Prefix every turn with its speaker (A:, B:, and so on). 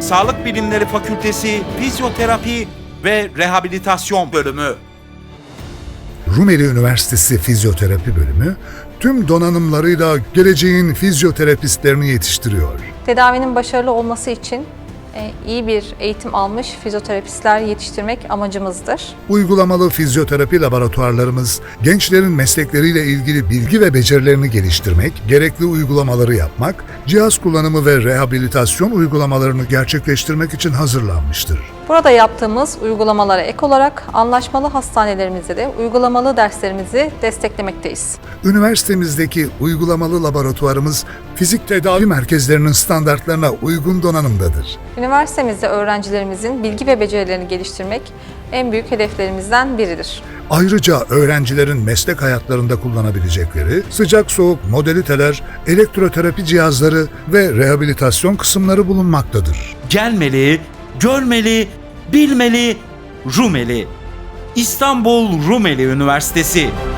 A: Sağlık Bilimleri Fakültesi Fizyoterapi ve Rehabilitasyon Bölümü.
B: Rumeli Üniversitesi Fizyoterapi Bölümü tüm donanımlarıyla geleceğin fizyoterapistlerini yetiştiriyor.
C: Tedavinin başarılı olması için iyi bir eğitim almış fizyoterapistler yetiştirmek amacımızdır.
B: Uygulamalı fizyoterapi laboratuvarlarımız gençlerin meslekleriyle ilgili bilgi ve becerilerini geliştirmek, gerekli uygulamaları yapmak, cihaz kullanımı ve rehabilitasyon uygulamalarını gerçekleştirmek için hazırlanmıştır.
C: Burada yaptığımız uygulamalara ek olarak anlaşmalı hastanelerimizde de uygulamalı derslerimizi desteklemekteyiz.
B: Üniversitemizdeki uygulamalı laboratuvarımız fizik tedavi merkezlerinin standartlarına uygun donanımdadır.
C: Üniversitemizde öğrencilerimizin bilgi ve becerilerini geliştirmek en büyük hedeflerimizden biridir.
B: Ayrıca öğrencilerin meslek hayatlarında kullanabilecekleri sıcak soğuk modaliteler, elektroterapi cihazları ve rehabilitasyon kısımları bulunmaktadır.
A: Gelmeli, görmeli, bilmeli, Rumeli. İstanbul Rumeli Üniversitesi.